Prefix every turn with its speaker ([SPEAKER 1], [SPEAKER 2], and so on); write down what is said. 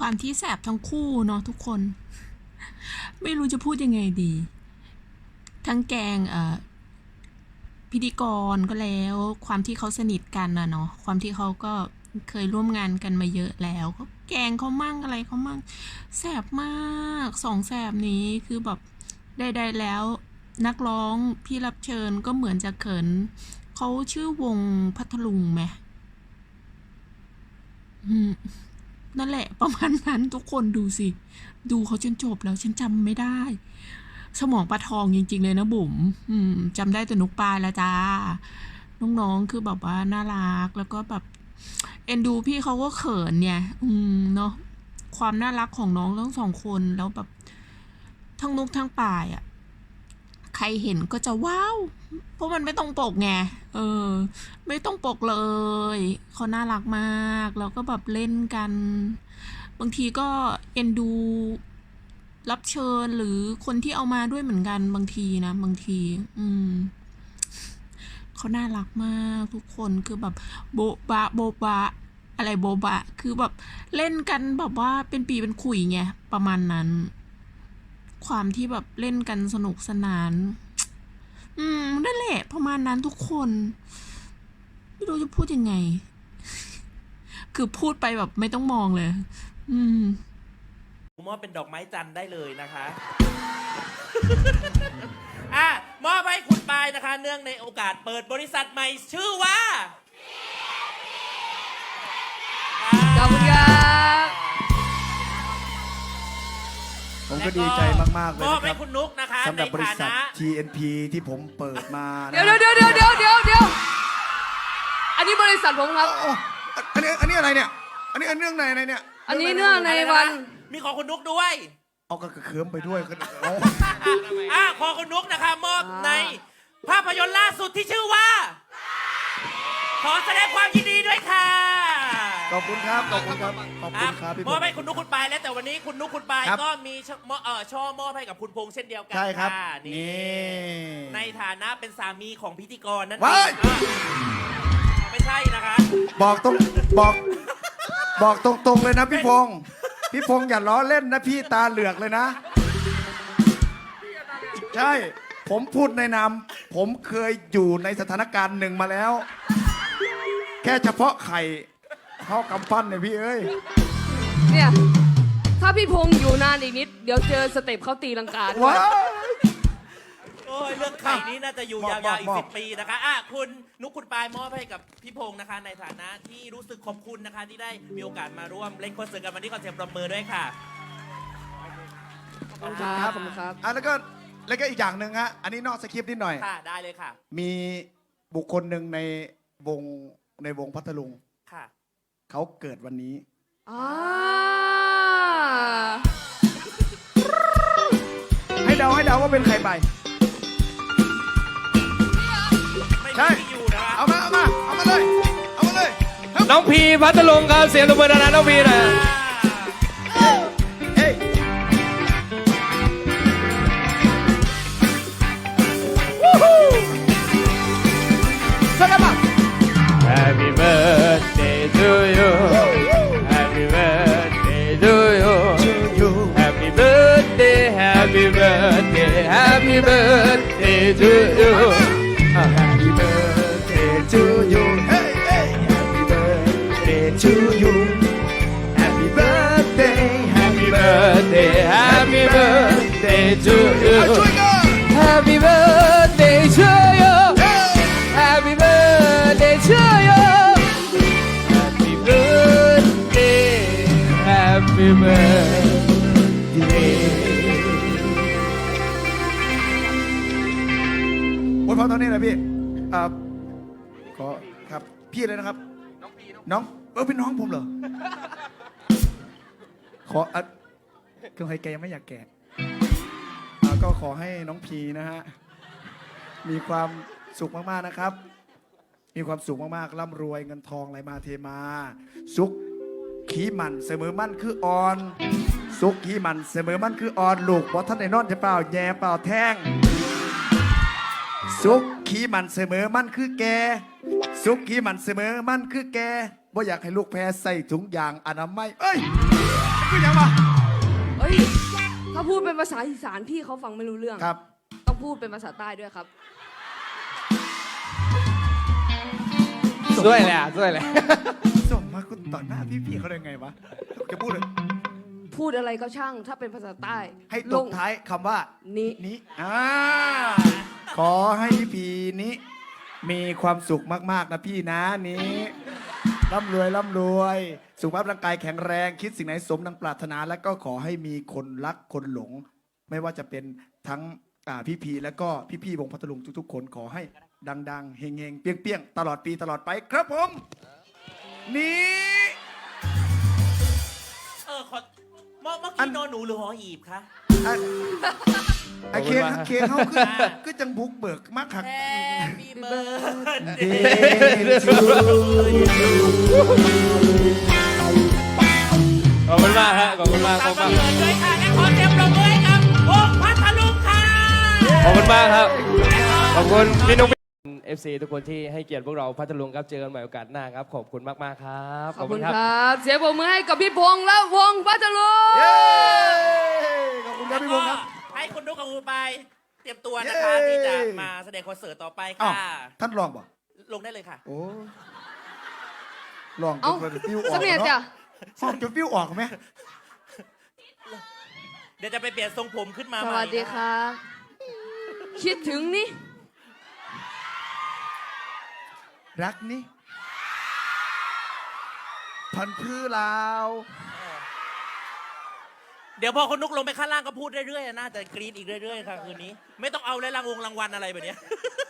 [SPEAKER 1] ความที่แสบทั้งคู่เนาะทุกคน ไม่รู้จะพูดยังไงดี ทั้งแกงพิธีกรก็แล้วความที่เขาสนิทกันนะเนาะความที่เขาก็เคยร่วมงานกันมาเยอะแล้วก็แกงเขามั่งอะไรเขามั่งแสบมากสองแสบนี้คือแบบใดๆแล้วนักร้องพี่รับเชิญก็เหมือนจะเขินเขาชื่อวงพัทลุงไหมนั่นแหละประมาณนั้นทุกคนดูสิดูเขาจนจบแล้วฉันจำไม่ได้สมองปลาทองจริงๆเลยนะบุ๋มจำได้แต่นุกปลายแล้วจ้าน้องๆคือแบบว่าน่ารักแล้วก็แบบเอ็นดูพี่เขาก็เขินเนี่ยเนาะความน่ารักของน้องทั้งสองคนแล้วแบบทั้งนุกทั้งปลายอ่ะใครเห็นก็จะว้าวเพราะมันไม่ต้องปกไงไม่ต้องปกเลยเขาน่ารักมากแล้วก็แบบเล่นกันบางทีก็เอ็นดูรับเชิญหรือคนที่เอามาด้วยเหมือนกันบางทีนะบางทีเขาน่ารักมากทุกคนคือแบบโบบะโบบะอะไรโบบะคือแบบเล่นกันแบบว่าเป็นปีเป็นขุยไงประมาณนั้นความที่แบบเล่นกันสนุกสนานนั่นแหละประมาณนั้นทุกคนไม่รู้จะพูดยังไง คือพูดไปแบบไม่ต้องมองเลย
[SPEAKER 2] มอบเป็นดอกไม้จันทร์ได้เลยนะคะมอบให้คุณปายนะคะ เนื่องในโอกาสเปิดบริษัทใหม่ชื่อว่า
[SPEAKER 3] ขอบคุณครับ
[SPEAKER 4] ผมก็ดีใจมากๆเลย
[SPEAKER 2] มอบให้
[SPEAKER 4] นะครับ
[SPEAKER 2] คุณนุกนะคะ
[SPEAKER 4] สำหรับบริษัท TNP ที่ผมเปิดมา
[SPEAKER 3] เดี๋ยวอันนี้บริษัทผมครับ
[SPEAKER 4] อันนี้อะไรเนี่ยอันนี้เรื่องไหนเนี่ย
[SPEAKER 3] อันนี้เนื่องในวัน
[SPEAKER 2] มีของคุณนุกด้วย
[SPEAKER 4] เอาก็เคิร์มไปด้วย
[SPEAKER 2] ขอคุณนุกนะคะมอบในภาพยนตร์ล่าสุดที่ชื่อว่าขอแสดงความยินดีด้วยค่ะ
[SPEAKER 4] ขอบคุณครับขอบคุณครับพี่
[SPEAKER 2] มอบให้คุณนุกคุณปายแล้วแต่วันนี้คุณนุกคุณปายก็มีช่อมอบให้กับคุณพงษ์เช่นเดียวกัน
[SPEAKER 4] ใช่ครับ
[SPEAKER 2] นี่ในฐานะเป็นสามีของพิธีกรนั่นเอ
[SPEAKER 4] ง
[SPEAKER 2] ไม่ใช่นะคะ
[SPEAKER 4] บอกตรงเลยนะพี่พงษ์อย่าล้อเล่นนะพี่ตาเหลือกเลยนะใช่ผมพูดในนามผมเคยอยู่ในสถานการณ์หนึ่งมาแล้วแค่เฉพาะไข่เข้ากำปั้นเนี่ยพี่เอ้ย
[SPEAKER 3] เนี่ยถ้าพี่พงษ์อยู่นานอีกนิดเดี๋ยวเจอสเต็ปเขาตีลังกาด้วย
[SPEAKER 2] โอ้ยเรื่องไข่นี้น่าจะอยู่ยาวๆอีก10 ปีนะคะคุณนุกคุณปายมอบให้กับพี่พงษ์นะคะในฐานะที่รู้สึกขอบคุณนะคะที่ได้มีโอกาสมาร่วมเล่นคอนเสิร์ตกันวันนี้ขอเสียงปรบมือด้วยค่ะ
[SPEAKER 3] ขอบคุณครับ
[SPEAKER 4] แล้วก็อีกอย่างหนึ่งฮะอันนี้นอกสคริปต์นิดหน่อย
[SPEAKER 2] ค่ะได้เลยค่ะ
[SPEAKER 4] มีบุคคลหนึ่งในวงพัทลุง
[SPEAKER 2] ค่ะ
[SPEAKER 4] เขาเกิดวันนี้ให้เดาว่าเป็นใครไปใช่เอามาเลย
[SPEAKER 5] น้องพีพัทลุงครับเสียงตบมือดังๆน้องพีนะHappy birthday to you Happy birthday to you Happy birthday Happy birthday Happy birthday to you
[SPEAKER 4] Happy birthday to you Happy birthday to you Happy birthday
[SPEAKER 5] Happy birthday Happy birthday to you Happy birthday to you Happy birthday to you Happy birthday Happy birthday
[SPEAKER 4] วันพอตอนนี้นะพี่ขอครับพี่เลยนะครับน้องเป็นน้องผมเหรอขอคือใครแกยังไม่อยากแก่ก็ขอให้น้องพีนะฮะมีความสุขมากๆนะครับมีความสุขมากๆร่ำรวยเงินทองไหลมาเทมาสุขขี้มันเสมอมั่นคืออ่อนสุขขี้มันเสมอมั่นคืออ่อนลูกเพราะท่านไอ้นอนจะเปล่าแย่เปล่าแท่งสุขขี้มันเสมอมั่นคือแกสุขขี้มันเสมอมั่นคือแกบ่อยากให้ลูกแพ้ใส่ถุงยางอนามัยคือยังมา
[SPEAKER 3] เอ้ย ถ้าพูดเป็นภาษาอีสานพี่เขาฟังไม่รู้เรื่อง
[SPEAKER 4] ครับ
[SPEAKER 3] ต้องพูดเป็นภาษาใต้ด้วยครับ
[SPEAKER 5] ด้วยแหละด้วยแหละ
[SPEAKER 4] ส่งมาคุณต่อหน้าพี่เขาได้ไงวะจะพูดเลย
[SPEAKER 3] พูดอะไรก็ช่างถ้าเป็นภาษาใต้
[SPEAKER 4] ให้ตบท้ายคำว่า
[SPEAKER 3] นี้
[SPEAKER 4] นี้ขอให้พี่พีนี้มีความสุขมากๆนะพี่นะนี้ร่ำรวยร่ำรวย สุขภาพร่างกายแข็งแรง คิดสิ่งไหนสมดังปรารถนา และก็ขอให้มีคนรักคนหลง ไม่ว่าจะเป็นทั้งพี่พีและก็พี่วงพัทลุงทุกๆ คนขอให้ดังๆเฮงๆเปี้ยงๆตลอดปีตลอดไปครับผมนี้
[SPEAKER 2] ขอเมื่อกี้นอนหนูหรือหอหีบคะ
[SPEAKER 4] ไอเคนเคนเขาคือจังบุกเบิกมากครับ
[SPEAKER 2] Happy birthday
[SPEAKER 5] ขอบคุณมากฮะขอบคุณมากข
[SPEAKER 2] ตา
[SPEAKER 5] อ
[SPEAKER 2] ม
[SPEAKER 5] บคุณ
[SPEAKER 2] กำ
[SPEAKER 5] มาก
[SPEAKER 2] เนิดด้วยค่ะและขอเสียงปรบมือให้กับวงพัทลุงค่ะ
[SPEAKER 5] ขอบคุณมากครับ ขอบคุณพี่นุ๊ก FC ทุกคนที่ให้เกียรติพวกเราพัทลุงครับเจอกันใหม่โอกาสหน้าครับขอบคุณมากๆครับ
[SPEAKER 3] ขอบคุณครับ เสียงปรบมือให้กับพี่พงษ์และวงพัทลุง
[SPEAKER 4] เย้ขอบคุณครับ
[SPEAKER 2] แล้ว
[SPEAKER 4] พี่ว
[SPEAKER 2] ก็
[SPEAKER 4] งครับ
[SPEAKER 2] ให้คุณนุ๊กกับคุณปายเตรียมตัวนะคะ
[SPEAKER 4] เย้
[SPEAKER 2] ที่จะมาแสดงคอนเสิร์ตต่อไป
[SPEAKER 4] อ้าว
[SPEAKER 2] ค่ะ
[SPEAKER 4] ท่านลองบ่
[SPEAKER 2] ลงได้เลยค่ะ
[SPEAKER 4] โอ้ลองจ
[SPEAKER 3] เอ้าน
[SPEAKER 4] ฟิวออก
[SPEAKER 3] สำเนียงจ้ะ
[SPEAKER 4] ห้องจนฟิวออกไหม
[SPEAKER 2] เดี๋ยวจะไปเปลี่ยนทรงผมขึ้นมา
[SPEAKER 3] ส
[SPEAKER 2] ใหม่
[SPEAKER 3] วัสดีครับ คิดถึงนี่
[SPEAKER 4] รักนี่พันพื้ลาว
[SPEAKER 2] เดี๋ยวพอคุณนุ๊กลงไปข้างล่างก็พูดเรื่อยๆน่าจะกรี๊ดอีกเรื่อยๆค่ะคืนนี้ ไม่ต้องเอาเลยรางวัลอะไรแบบเนี้ย